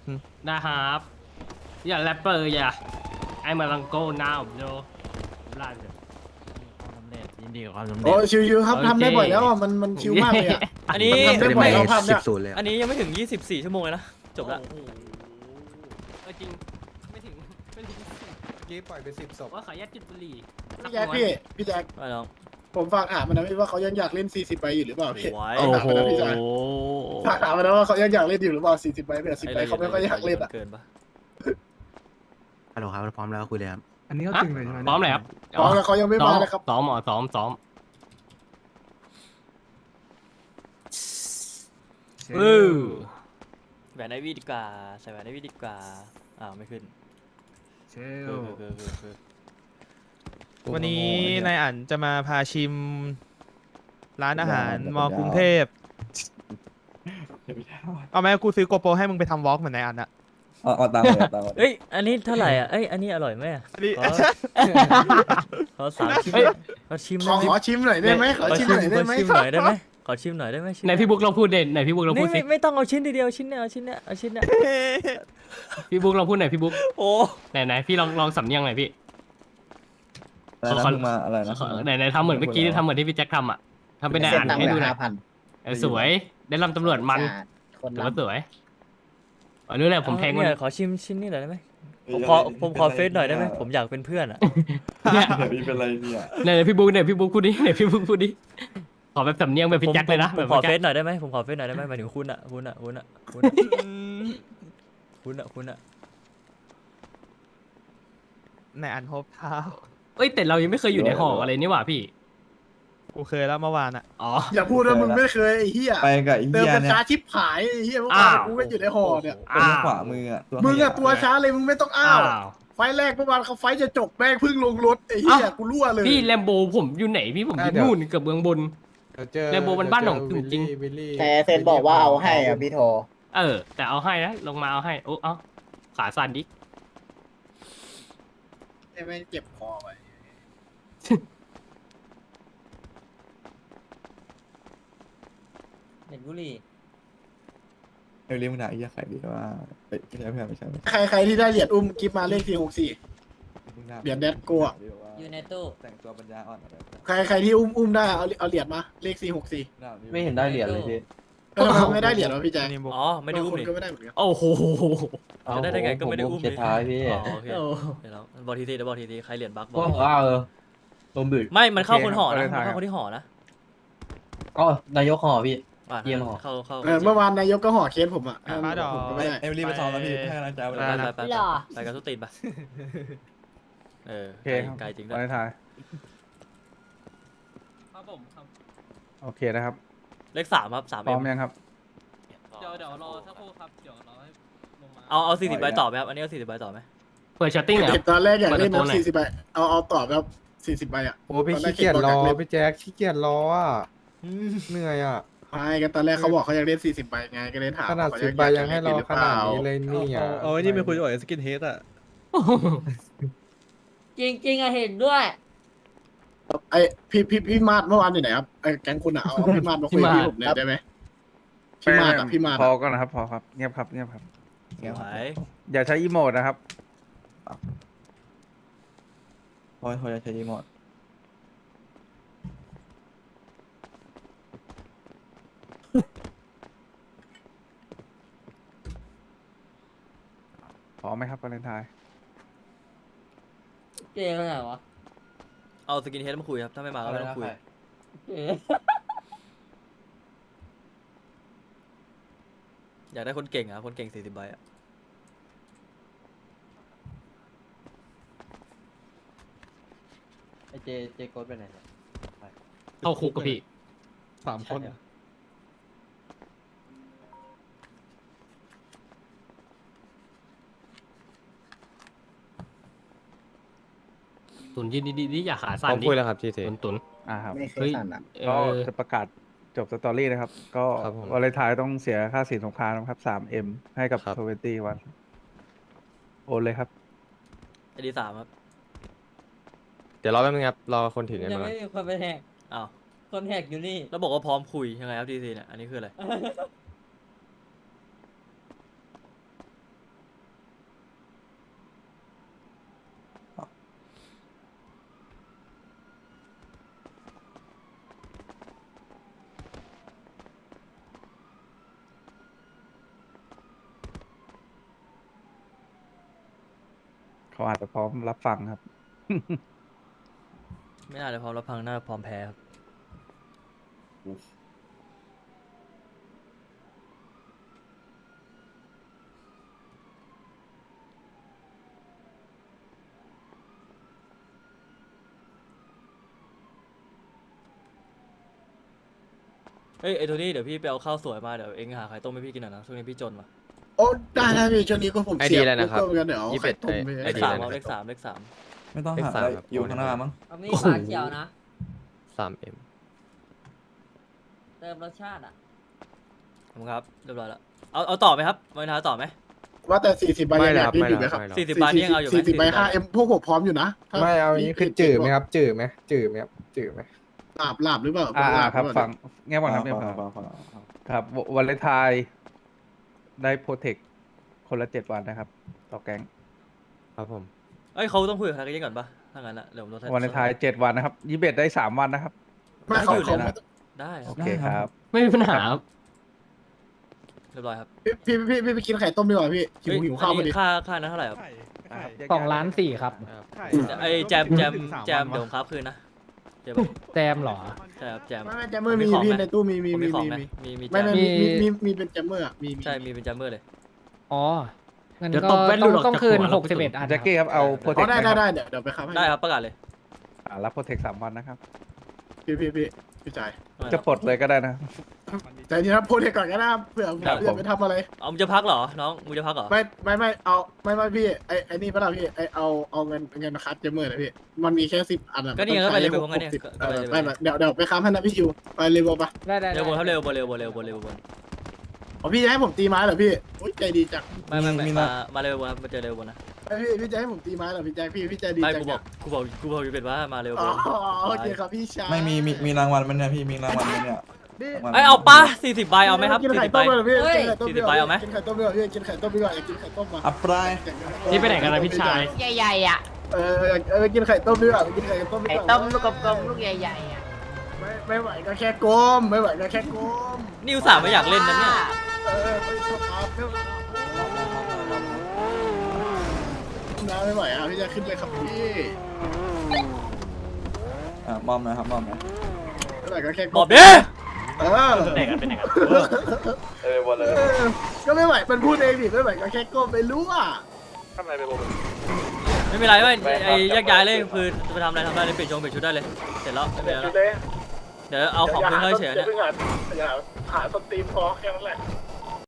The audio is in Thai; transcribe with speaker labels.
Speaker 1: นะครับอย่าแรปเปอร์อย่าไอ้มาลังโก้น้าผมโยลาดเลย
Speaker 2: ความสำเร็จยินดีกับความสำเร็
Speaker 3: โอ้
Speaker 2: จ
Speaker 3: ชิวๆครับ
Speaker 1: โอเค
Speaker 3: ทำได้บ่อยแล้วอ่ะมันชิวมากเลยอ่ะ
Speaker 4: อันนี้
Speaker 3: ทำได้บ่อยแล้วภาพเนี่ย
Speaker 5: 10-0เลย
Speaker 4: อันนี้ยังไม่ถึง 24 ชั่วโมงเลยนะ จบแล้ว
Speaker 1: โอ้โหจริงไม่ถึง
Speaker 5: กี้ปล่อยไป10 ศพ
Speaker 1: ว่าขออนุญาตจุดบุหรี่
Speaker 3: พี่แจ็คพี่แจ็ค
Speaker 4: ไปน้อง
Speaker 3: ผมฝากถามมันนะพี่ว่าเขายังอยากเล่น40ใบอยู่หรือเปล่าพี่
Speaker 4: โอ้ย
Speaker 1: โอ้โห
Speaker 3: ฝากถามมันนะว่าเขายังอยากเล่นอยู่หรือเปล่า40ใบเป็น10ใบเขาไม่ค่อยอยากเล่นอ่ะ
Speaker 4: เกินปะ
Speaker 5: ฮัลโหลครับพร้อมแล้วคุยเลยครับ
Speaker 6: อันนี้เขาจริงเลยใช่ไหม
Speaker 1: พร้อมเลยครับ
Speaker 3: อ๋อแล้วเขายังไม่มาเลยครับ
Speaker 1: ซ้อมเออ
Speaker 4: แหวนไอวี่ดีกว่า ใส่แหวนไอวี่ดีกว่า อ้าว ไม่ขึ้น
Speaker 6: เช
Speaker 4: เอ
Speaker 6: ล
Speaker 4: อ
Speaker 7: วันนี้นายอั๋นจะมาพาชิม ร้านอาหารมอกรุงเทพเอาไหมกูซื้อโกโปรให้มึงไปทำวอล์กเหมือนนายอั๋นอะ
Speaker 8: เอาตังค์เลยเอาตังค์เลย
Speaker 4: เอ้ย อันนี้เท่าไหร่อ่ะ เอ้ย อันนี้อร่อยไหมอะ
Speaker 7: นี่
Speaker 4: ขอสามชิมขอชิม
Speaker 3: ขอชิมหน่อยได้ไหมขอชิมหน่อยได้ไหม
Speaker 4: ขอชิมหน่อยได้ไหมขอชิมหน่อยได้ไหมชิ้
Speaker 1: ไหนพี่บุ๊กลองพูดเด่นไหนพี่บุ๊กลอง
Speaker 4: นี่
Speaker 1: พูดสิ
Speaker 4: ไม่ต้องเอาชิ้นเดียวชิ้นเนี้ยเอาชิ้นเนี้ยเอาชิ้นเนี้ย
Speaker 1: พี่บุ๊กลองพูดหน่อยพี่บุ๊ก
Speaker 4: โอ้
Speaker 1: ไหนพี่ลองสำเนียงหน่อยพี่
Speaker 8: อะไรนะ
Speaker 1: ขอ
Speaker 8: เพิ่งมาอะไรนะ
Speaker 1: ไหนทำเหมือนเมื่อกี้ทำเหมือนที่พี่แจ็คทำอ่ะทำเป็นนายอ่านให้ดูหน่อยสวยได้ลำตำรวจมันถือว่าสวยอันนี้แหละผมแทงมัน
Speaker 4: เนี่ยขอชิมชิ้นนี้หน่อยได้ไหมผมขอเฟซหน่อยได้ไหมผมอยากเป็นเพื่อนอ่ะ
Speaker 1: เนี่ย
Speaker 8: เดี๋ยวพี่เป็นไรเนี่ย
Speaker 1: ไหนพี่บุ๊กพูดดิไหนพี่บุ๊กพูดดิขอแบบสำเนียงแบบพี่แจ็คเลยนะ
Speaker 4: ผ
Speaker 1: แบ
Speaker 4: ม
Speaker 1: บ
Speaker 4: ขอ
Speaker 1: พี่
Speaker 4: เฟ
Speaker 1: แจ็
Speaker 4: ซ
Speaker 1: ค
Speaker 4: หน่อยได้ไหมผมขอเฟซหน่อยได้ไหมหมายถึงคุณอ่ะคุณอ่ะ
Speaker 7: นายอั๋นโฮปเท้า
Speaker 1: เอ้ยแต่เรายังไม่เคยอยู่ในหออะไรนี่หว่าพี่
Speaker 7: กูเคยแล้วเมื่อวานอะ
Speaker 1: อ๋อ
Speaker 3: อย่าพูดว่ามึงไม่เคยไอ้เหี้ย
Speaker 8: ไปกับไอ้
Speaker 3: เติม
Speaker 8: เหี้ย
Speaker 3: เป็น
Speaker 8: เนี่ย
Speaker 3: ช้าชิบหายไอ้เหี้ยเมื่อวาน
Speaker 1: อ้าว
Speaker 3: กูก็อยู่ในห่อเนี่ย
Speaker 8: ตัวขวามืออ่ะ
Speaker 3: มึงอะตัวช้าเลยมึงไม่ต้องอ้า
Speaker 1: อ้าว ว
Speaker 3: ไฟแรกเมื่อวานเขาไฟจะจบแม่งเพิ่งลงรถไอ้เหี้ยกูรั่วเลย
Speaker 1: พี่แลมโบผมอยู่ไหนพี่ผมอยู่นู่นกับเมืองบน แลมโบมันบ้านของจริง
Speaker 9: แต่เซนบอกว่าเอาให้อ่ะพี่โท
Speaker 1: แต่เอาให้นะลงมาเอาให้โอ้เอาขาสั่นดิ
Speaker 3: ไอ้แม่งเจ็บคอไป
Speaker 9: เห็นบุหรี่
Speaker 8: เรียกมึงด่าไอ้เหี้ยใครดีว่าไม่ใช่
Speaker 3: ใครที่ได้เหรียญอุ้มกิฟมาเลข464
Speaker 8: มึงด่า
Speaker 3: เหรียญแดดกลัว
Speaker 9: อยู่ในตู้
Speaker 8: แต่งตัวปัญญาอ่อนอะไร
Speaker 3: ใครที่อุ้มได้เอาเหรียญมาเลข464
Speaker 8: ไม่เห็นได้เหรียญเลยพี่
Speaker 3: ทำไมไม่ได้เหรียญวะพี่แจ๊ค
Speaker 7: นี่บอก
Speaker 4: อ๋อไม่ได้อุ้ม
Speaker 3: คน
Speaker 4: นี่
Speaker 3: ก็ไม่ได้เหมือนกัน
Speaker 1: โอ้โห
Speaker 4: จะได้ไงก็ไม่ได้อุ้ม
Speaker 8: เขียนท้ายพี่
Speaker 4: อ๋อโอเคเดี๋ยวบอกทีเดี๋ยวบอกทีใครเหรียญบักบ
Speaker 8: ก็
Speaker 4: อก
Speaker 8: ว่าลมบึก
Speaker 4: ไม่มันเข้าคนห่อนะมันเข้าคนที่ห่อนะ
Speaker 8: ก็นายกห่อพี่
Speaker 4: อ่ะ
Speaker 8: เยี่ยมห่อ
Speaker 4: เข้า
Speaker 3: เมื่อวานนายกก็ห่อเคสผมอ่ะ
Speaker 7: มาดอก
Speaker 3: ผมก็ไม่ได้
Speaker 8: เอมิลี่ไปซ้อมแล้วพี่ให้กำลังใจ
Speaker 4: ไป
Speaker 8: ไป
Speaker 4: ไปกับทุกตีนไปเออ
Speaker 6: โอเคครับ
Speaker 4: ไกลจริงด้
Speaker 6: วั
Speaker 4: วย
Speaker 6: นท้าย
Speaker 1: ครับผมครับ
Speaker 6: โอเคนะครับ
Speaker 4: เลข3ครับ3
Speaker 6: พร้อ
Speaker 4: เอ็
Speaker 6: ม
Speaker 4: ม
Speaker 6: ยังครับ
Speaker 1: เดี๋ยวรอสักครู่ครับเดี๋ยวรอให้ลงมา
Speaker 4: เอา40ใบต่อไหมครับอันนี้เอา40ใบต่อไหม
Speaker 1: เปิดชัตติ้งเหรอ
Speaker 3: เด็กตอนแรกอยากเล่น
Speaker 1: เปิดตัวไหน
Speaker 3: 40ใบเอาต่อแบบ40ใบอ่ะ
Speaker 6: โอ้พี่ขี้เกียจรอพี่แจ๊คขี้เกียจรออ่ะเหนื่อยอ่ะ
Speaker 3: ไม่กันตอนแรกเขาบอกเขาอยากเล่น40ใบไงก็เลยถาม
Speaker 6: ขนาด
Speaker 3: เข
Speaker 6: 10 ใบยังให้รอขนาดนี้เลยนี่อ่ะ
Speaker 7: เอาไอ้นี่ไปคุยกับสกินเฮดอะ
Speaker 9: จริงๆอะเห็นด้วย
Speaker 3: ไอ้พี่มาดเมื่อวานอยู่ไหนครับไอ้แก๊งคุณอ่ะเอาพี่มาดมาคุยกับพี่ผมหน่อยได้ไหมพี่มาดอ่ะพี่มาด
Speaker 6: พอ
Speaker 3: อะ
Speaker 6: ก่อนนะครับพอครับเงียบครับเงียบครับ
Speaker 4: สวย
Speaker 6: อย่าใช้อีโมดนะครับ
Speaker 8: พอจะใช้ยีหมด
Speaker 6: พร้อมไหมครับวาเลนไทน์
Speaker 9: เจ๊อะไรวะ
Speaker 4: เอาสกินเฮดมาคุยครับถ้าไม่มาก็ไม่ต้องคุย
Speaker 9: เจ๊
Speaker 4: อยากได้คนเก่งอ่ะคนเก่ง40ใบอ่ะ
Speaker 8: ไอเจโกดไปไหนเนี่ย
Speaker 1: เข้าคุกกับพี่
Speaker 6: 3 คน
Speaker 1: ตุนยินดีอย่าขาสั่นดิ
Speaker 5: คุยแล้วครับทีเท
Speaker 1: ตุน
Speaker 6: ครับ
Speaker 9: ไม่เค
Speaker 1: เฮ้
Speaker 9: ย
Speaker 1: ย
Speaker 9: สั่นอ่ะ
Speaker 1: เอ
Speaker 6: ก็
Speaker 1: อ
Speaker 6: จะประกาศจบสตอรี่นะครับ ก็
Speaker 5: ครับผม
Speaker 6: วาเลนไทน์ต้องเสียค่าสินสงครามนะครับ 3M ให้กับ
Speaker 5: ครับ
Speaker 6: 20 วันโอนเลยครับ
Speaker 4: ไอดี3ครับ
Speaker 5: เดี๋ยวรอแป๊บนึงครับ รอคนถือเงิน
Speaker 9: ยัง
Speaker 5: มาก่อน
Speaker 9: ไม่มีคนไปแหก
Speaker 4: อ้าว
Speaker 9: คนแหกอยู่นี่
Speaker 4: แล้วบอกว่าพร้อมคุยยังไงครับทีเนี่ยอันนี้คืออะไร
Speaker 8: เขาอาจจะพร้อมรับฟังครับ
Speaker 4: ไม่น่าจะพร้อมรับฟังน่าจะพร้อมแพ้ครับ เฮ้ยไอ้โทนี่เดี๋ยวพี่ไปเอาข้าวสวยมาเดี๋ยวเองหาไข่ต้มให้พี่กินหน่อยนะช่วงนี้พี่จนว่ะ
Speaker 3: โอ้ได้พี่ช่วงนี้ก็ผม
Speaker 5: ไอ
Speaker 3: เสี
Speaker 5: ดี
Speaker 3: ย
Speaker 5: อะไรนะครับ
Speaker 3: ก็เหมือนกันเดี๋ยวเอาไข่ต้มไป
Speaker 5: ไอ
Speaker 4: เลข
Speaker 5: ดี
Speaker 4: สาม
Speaker 5: อะไร
Speaker 4: เอา
Speaker 5: นะ
Speaker 4: เลขสามเลขสาม
Speaker 8: ไม่ต้องหา
Speaker 5: เลขสาม
Speaker 8: ได้
Speaker 5: ครับ
Speaker 8: อยู่ข้างหน้ามั้ง
Speaker 9: เอามีปลาเขียวนะ
Speaker 5: 3M
Speaker 9: เติมรสชาติอ่ะ
Speaker 4: ขอบคุณครับเรียบร้อยแล้วเอาต่อไหมครับมาท้าต่อไหม
Speaker 3: ว่าแต่40ใบ
Speaker 5: ไม่
Speaker 3: ยัง
Speaker 5: แล้
Speaker 3: อ
Speaker 5: วย
Speaker 3: าก
Speaker 5: ครับ
Speaker 3: เล่นอยู่ไหม
Speaker 5: ไม่
Speaker 3: ครับ
Speaker 5: แล้ว
Speaker 4: 40 บาทนี่ยังเอาอยู่ไหม
Speaker 3: 40ใบ
Speaker 4: 40
Speaker 3: 5M พวกผมพร้อมอยู่นะถ้า
Speaker 6: ไม่เอาอย่างนี้คือจืดไหมครับ จืดไหมจืดไหมครับจืดไหม
Speaker 3: ลาบหรือเปล่า
Speaker 8: ครับ
Speaker 3: หอเป
Speaker 8: ฟั
Speaker 3: ล่าง
Speaker 8: แง่บอกนะ
Speaker 3: ฟั
Speaker 8: เนี่ย
Speaker 3: ง
Speaker 8: ครับวันเลนไทน์ได้โปรเทคคนละ 7 วันนะครับต่อแก๊ง
Speaker 5: ครับผม
Speaker 4: เอ้ยเขาต้องคุยกับทางกันก่อนปะถ้างั้นอะเดี๋ยวผมลดให้
Speaker 8: วันเลนไทน์7 วันนะครับ21ได้ 3 วันนะครับ
Speaker 3: ไม่เขาเขา
Speaker 4: ได้ค
Speaker 8: โอ
Speaker 4: รับ
Speaker 8: เคครับ
Speaker 1: ไม่มีปัญหาครับ
Speaker 4: เรียบร้อยครับ
Speaker 3: พี่ไปกินไข่ต้มดีกว่าพี่หิวข้าวพอดี
Speaker 4: ค่านั้นเท่าไหร่ครับ
Speaker 6: 2,400,000ครับ
Speaker 4: ไอ้แจมเดี๋ยวผมครับคืนนะเดี๋ยว
Speaker 6: แจมเหรอ
Speaker 4: ใช่ครับแจม
Speaker 3: ไม่แจมเมอร์มีพี่ในตู้มี
Speaker 4: ผมมีของนะมีแจ
Speaker 3: ไม่
Speaker 4: ม
Speaker 3: มีเป็นแจมเมอร์มี
Speaker 4: ใช่มีเป็นแจมเมอร์เลย
Speaker 6: อ๋องั้น
Speaker 1: เดี๋ยว
Speaker 6: ก็
Speaker 1: ตบแว่นหลุดออก
Speaker 6: ต้อง
Speaker 1: จาก
Speaker 6: คืน
Speaker 1: หัวแล้ว
Speaker 6: 61 อัน
Speaker 8: แจ็คกี้ครับเอาโปรเท
Speaker 3: อ๋
Speaker 8: ค
Speaker 3: อได้เดี๋ยวไปครับให้
Speaker 4: ได้ครับประกาศเลย
Speaker 8: รับโปรเทค3 วันนะครับ
Speaker 3: พี่จ่าย
Speaker 8: จะปลดเลยก็ได้นะ
Speaker 3: แต่ทีนะโพสก่อนก็ได้เผื่อไปทำอะไร
Speaker 4: เอามึงจะพักเหรอน้องมึงจะพักเหรอ
Speaker 3: ไม่เอาไม่พี่ไอ้นี่ป่ะล่ะพี่ไอเอาเงินมาคัดแจมเมอร์นะพี่มันมีแค่10 อันอะ
Speaker 4: ก็นี่ไงก็ไปเลยไปพร้อมกันเนี่ย
Speaker 3: ไม่เดี๋ยวไปค้ำให้นะพี่ชิวไปเลยบอกปะ
Speaker 6: ได้
Speaker 4: เร็วบนครับเร็วบน
Speaker 3: อ๋อพี่จะให้ผมตีไม้เหรอพี่อุ้ยใจดีจัง
Speaker 4: ไม่มาเร็วบนครับมาเจอเร็วบนนะ
Speaker 3: พี่จะให้ผมตีไม้เหรอพี่แจ็คพี่ใจดี
Speaker 4: ไม่
Speaker 3: จัง
Speaker 4: กูบอกอยู่เป็นว่ามาเร็วบ
Speaker 3: อ๋อน โอเคครับพี่ชาย
Speaker 8: ไม่มีรางวัลมันเนี่ยพี่มีรางวัลมันเนี่ย
Speaker 4: ไอเอาปะ40 ใบเอาไหมครับ
Speaker 3: กินไข่
Speaker 4: 40 ใบ
Speaker 3: ต้มเลยพี่
Speaker 4: 40 ใบเอาไหม
Speaker 3: กินไข่ต้มดีกว่าพี่กินไข่ต้มดีกว่าอยากกินไข่ต้มมา
Speaker 8: อัปราย
Speaker 1: นี่ไปไหนกันนะพี่ชาย
Speaker 9: ใหญ่ๆอ่ะ
Speaker 3: กินไข่ต้มดีกว่ากินไข่ต้มดีก
Speaker 9: ไข่
Speaker 3: ว่า
Speaker 9: ต้มลูกกลมๆลูกใหญ่ๆอ่ะ
Speaker 3: ไม่ไหวก็แค่ก้มไม่ไหวก็แค่ก้ม
Speaker 4: นิวสามไม่อยากเล่นนะเนี่ย
Speaker 3: ไม่ชอบครับน้าไม่ไหวอ่ะพี่จะขึ้นเลยครับพี่
Speaker 8: มอมนะครับมอมนะ
Speaker 3: ไม่ไหวก็แค่
Speaker 4: บ
Speaker 3: ก้
Speaker 4: อ
Speaker 3: ม
Speaker 4: บดิ
Speaker 1: ไหนกันเป็นไหนกัน
Speaker 8: วันเลย
Speaker 3: ก็ไม่ไหวมันพูดเองดิไม่ไหวก็แค่ก้มไปรู้อ่ะ
Speaker 4: ไม่เป็นไรไม่ไอ้แยกย้ายเลยคือจะไปทำอะไรเลยเปลี่ยนชุดได้เลยเสร็จแล้วไม่เป็นไรแล้วเดี๋ยวเอาของขึ้นให้เฉยเนี่ย
Speaker 3: อย่าหาสตรีมพอแค่นั้นแหละ